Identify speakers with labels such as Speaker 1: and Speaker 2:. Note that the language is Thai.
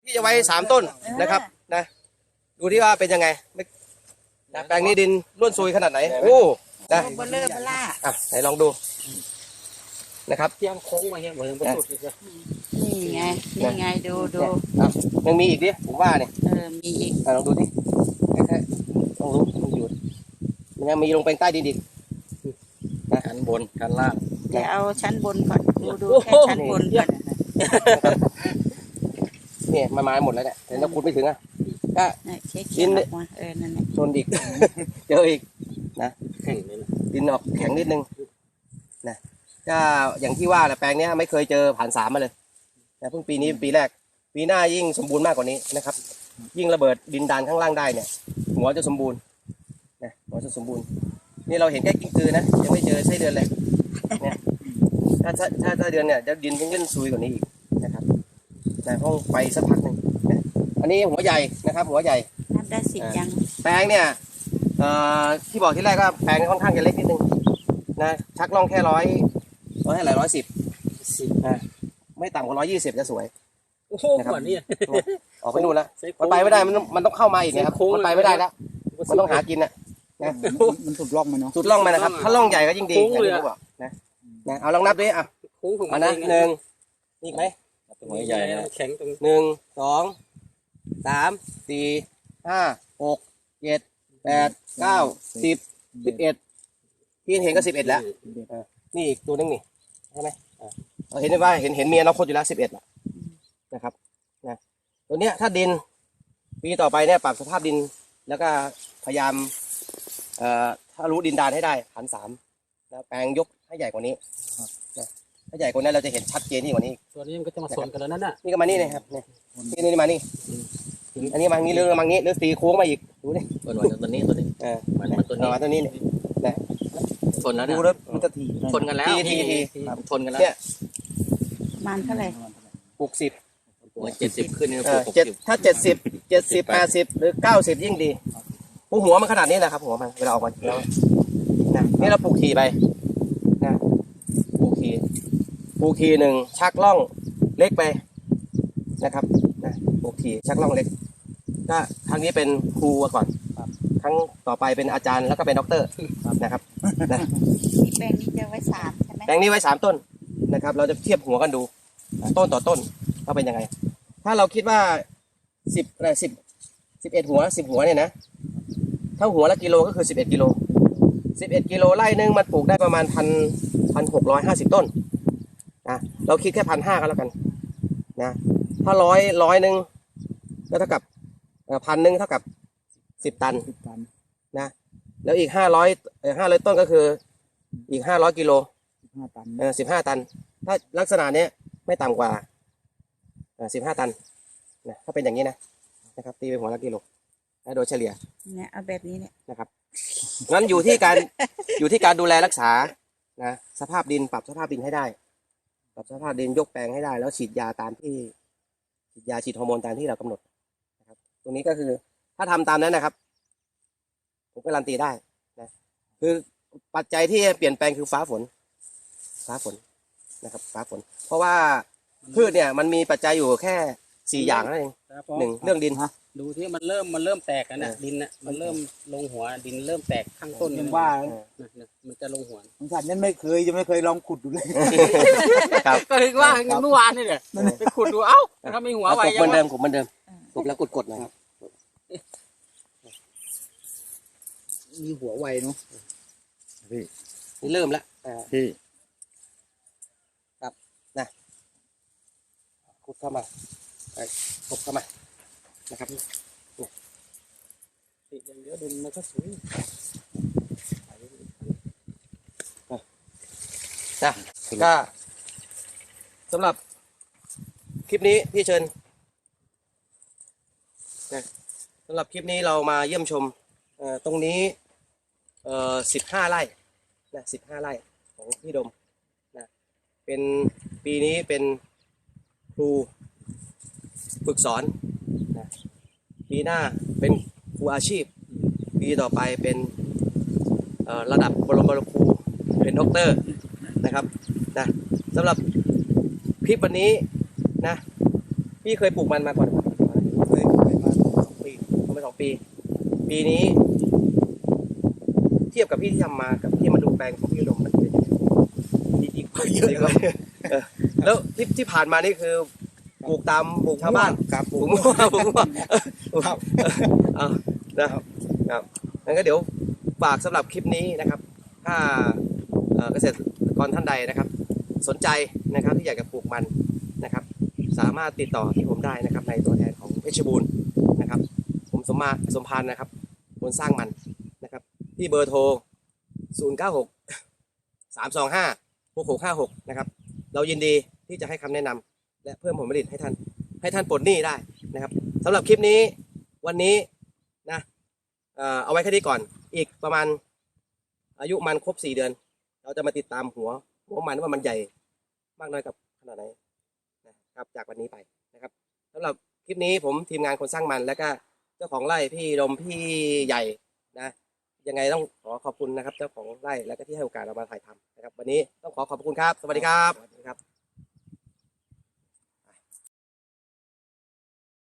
Speaker 1: ที่จะไว้3 ต้นนะครับนะดูที่ว่าเป็นยังไงนะแปลงนี้ดินร่วนซุยขนาดไหนโอ้นะ
Speaker 2: เบลเลอร์เบล่า
Speaker 1: อ่ะไหนลองดูนะครับ
Speaker 3: เที่ยงโค้งมาเงี้ยเหมือนประตูเลย
Speaker 2: นี่ไงดู
Speaker 1: อ่ะยังมีอีกดิผมว่าเนี่ย
Speaker 2: มีอีก
Speaker 1: ลองดูดิแค่ลองดูมันอยู่มันยังมีลงไปใต้ดินอีก
Speaker 3: ชั้นบนชั้นล่าง
Speaker 2: จะเอาชั้นบนก่อนดูแค่ชั้นบนก่อน
Speaker 1: เนี่ยมาหมดแล้วเนี่ยแต่เราขุดไม่ถึงอ่ะก็
Speaker 2: เช็คออกมานั่นแหละ
Speaker 1: ชนอีก เจออีกนะ
Speaker 3: แข่งเลยนะ
Speaker 1: ดินออกแข็งนิดนึงนะก็อย่างที่ว่าแหละแปลงเนี้ยไม่เคยเจอผ่าน3มาเลยนะเพิ่งปีนี้เป็นปีแรกปีหน้ายิ่งสมบูรณ์มากกว่านี้นะครับ ยิ่งระเบิดดินดานข้างล่างได้เนี่ยหัวจะสมบูรณ์นะหัวจะสมบูรณ์นี่เราเห็นแค่กิ้งกือนะยังไม่เจอไส้เดือนเลยเนี่ยถ้าเดือนเนี่ยจะดินยิ่งซุยกว่านี้อีกนะครับนะต้องไปสักพักหนึ่งนะอันนี้หัวใหญ่นะครับ หัวใหญ่
Speaker 2: นับได้10ยัง
Speaker 1: แปลงเนี่ยที่บอกที่แรกก็แปลงค่อนข้างจะเล็กนิดนึงนะชักล่องแค่ร้อยให้หลาย110นะไม่ต่ำกว่า120จะสวย
Speaker 3: โอ้โหก่อนนี่
Speaker 1: ออกไปนู่นแล้วมันไปไม่ได้มันต้องเข้ามาอีกนะครับมันไปไม่ได้แล้วมันต้องหากินนะ
Speaker 4: มันสุดล่องมันเนาะ
Speaker 1: สุดล่องมานะครับถ้าล่องใหญ่ก็ยิ่งดีอย่างที่ผมบอกนะเอาลองนับดิอ่ะ
Speaker 3: โค้งของ
Speaker 1: เอานะ1นี่อีกไหม
Speaker 3: หัวใหญ่แข็งตรง
Speaker 1: 1 2 3 4 5 6 7 8 9 10 11ที่เห็นก็11แล้วนี่อีกตัวนึงนี่ใช่ไหมเราเห็นได้ว่าเห็นมีอนาคตอยู่แล้ว11ละนะครับนะตัวเนี้ยถ้าดินปีต่อไปเนี่ยปรับสภาพดินแล้วก็พยายามถ้ารู้ดินดานให้ได้1,300แล้วแปลงยกให้ใหญ่กว่านี้นะถ้าใหญ่กว่านั้นเราจะเห็นชัดเจนที่กว่านี้
Speaker 3: ตัวนี้มันก็จะมาสวนกันแล้วนั่นน่ะ
Speaker 1: นี่ก็มานี่นะครับนี่มานี่อันนี้มางี้หรือมางี้หรือตีโค้งมาอีกดูนี่
Speaker 3: ตัวนี้มันตัวนี้
Speaker 1: มาตัวนี้เนี่ยนะ
Speaker 3: ชนแล้ว
Speaker 1: ดู
Speaker 3: นะ
Speaker 1: แล้วมันจะถี
Speaker 3: ชนกันแล้ว
Speaker 1: ที
Speaker 3: ชนกันแล้ว
Speaker 1: เนี่ย
Speaker 2: ประมาณเท่าไหร่
Speaker 1: ปลูก10
Speaker 3: 70ขึ้นเนี่ย
Speaker 1: ถ้า70 80หรือ90ยิ่งดีหัวมันขนาดนี้แหละครับหัวมันเวลาออกมาแล้วนะนี่เราปลูกทีไปนะปลูกทีหนึ่งชักล่องเล็กไปนะครับนะปลูกทีชักล่องเล็กก็ครั้งนี้เป็นครูก่อนครั้งต่อไปเป็นอาจารย์แล้วก็เป็นด็อกเตอร์นะครับนะ
Speaker 2: นี่แปลงนี้จะไว้3ใช่ไหม
Speaker 1: แปลงนี้ไว้3 ต้นนะครับเราจะเทียบหัวกันดูต้นต่อต้นว่าเป็นยังไงถ้าเราคิดว่า11 หัว10 หัวเนี่ยนะถ้าหัวละกิโลก็คือ11 กิโล11 กิโลไร่นึงมันปลูกได้ประมาณ1,650 ต้นนะเราคิดแค่1,500ก็แล้วกันนะถ้าร้อยนึงก็เท่ากับ1,000เท่ากับ10 ตัน
Speaker 4: 10 ตัน
Speaker 1: นะแล้วอีก500ต้นก็คืออีก500 กิโล
Speaker 4: 15 ตัน
Speaker 1: 15 ตันถ้าลักษณะเนี้ยไม่ต่ำกว่า15 ตันนะถ้าเป็นอย่างนี้นะครับตีไปหัวละกิโลโดยเฉลี่ย
Speaker 2: เนี่ยเอาแบบนี้เนี่ย
Speaker 1: นะครับงั้นอยู่ที่การดูแลรักษานะสภาพดินปรับสภาพดินให้ได้ปรับสภาพดินยกแปลงให้ได้แล้วฉีดยาตามที่ฉีดฮอร์โมนตามที่เรากำหนดนะครับตรงนี้ก็คือถ้าทำตามนั้นนะครับผมการันตีได้นะคือปัจจัยที่เปลี่ยนแปลงคือฟ้าฝนนะครับฟ้าฝนเพราะว่าพืชเนี่ยมันมีปัจจัยอยู่แค่4 อย่างนั่นเอง1เรื่องดิน
Speaker 3: ดูที่มันเริ่มแตกนะดินน่ะมันเริ่มลงหัวดินเริ่มแตกข้างต้น
Speaker 4: ยังว่า
Speaker 3: มันจะลงหัว
Speaker 4: ของฉันนั้นไม่เคยลองขุดดูเลย
Speaker 1: ครับ
Speaker 3: ก็เลยว่าเมื่อวานนี่แหละไปขุดดูเอ้าถ้าไม่หัวไว
Speaker 1: เหมือนเดิมกบแล้วกดนะครับ
Speaker 4: มีหัวไวเนาะ
Speaker 1: นี่เริ่มแล้ว
Speaker 4: พี่
Speaker 1: ขุดเข้ามาขุดเข้ามานะครับ
Speaker 3: อย่างเดียวดินมันก็สวย
Speaker 1: นะก็สำหรับคลิปนี้พี่เชิญนะสำหรับคลิปนี้เรามาเยี่ยมชมตรงนี้15 ไร่นะ15 ไร่ของพี่ดมนะเป็นปีนี้เป็นครูฝึกสอนนะปีหน้าเป็นครูอาชีพปีต่อไปเป็นระดับบรมครูเป็นด็อกเตอร์นะครับนะสำหรับคลิปวันนี้นะพี่เคยปลูกมันมาก่อนมา2 ปี ปีนี้ เทียบกับพี่ที่ทำมากับที่มาดูแปลงของพี่อุดมมันเป็นยังไง
Speaker 4: ดีกว่าเยอะเลย
Speaker 1: แล้วที่ผ่านมานี่คือปลูกตามปลูกชาวบ้าน
Speaker 4: ครับ
Speaker 1: ปลูกมั่วปลูกมั่วครับเอานะครับงั้นก็เดี๋ยวฝากสำหรับคลิปนี้นะครับ ถ้าเกษตรกรท่านใดนะครับ สนใจนะครับที่อยากจะปลูกมันนะครับ สามารถติดต่อที่ผมได้นะครับในตัวแทนของเพชรบูรณ์นะครับ ผมสมพานนะครับคนสร้างมันนะครับที่เบอร์โทร 096 325 6656 นะครับ เรายินดีที่จะให้คำแนะนำและเพิ่มผลผลิตให้ท่านปลดหนี้ได้นะครับสำหรับคลิปนี้วันนี้นะเอาไว้แค่นี้ก่อนอีกประมาณอายุมันครบ4 เดือน เราจะมาติดตามหัวมันว่ามันใหญ่มากน้อยกับขนาดไหนนะครับจากวันนี้ไปนะครับสำหรับคลิปนี้ผมทีมงานคนสร้างมันแล้วก็เจ้าของไร่พี่ดมพี่ใหญ่นะยังไงต้องขอขอบคุณนะครับเจ้าของไร่แล้วก็ที่ให้โอกาสเรามาถ่ายทำนะครับวันนี้ต้องขอขอบคุณครับสวัสดีครับ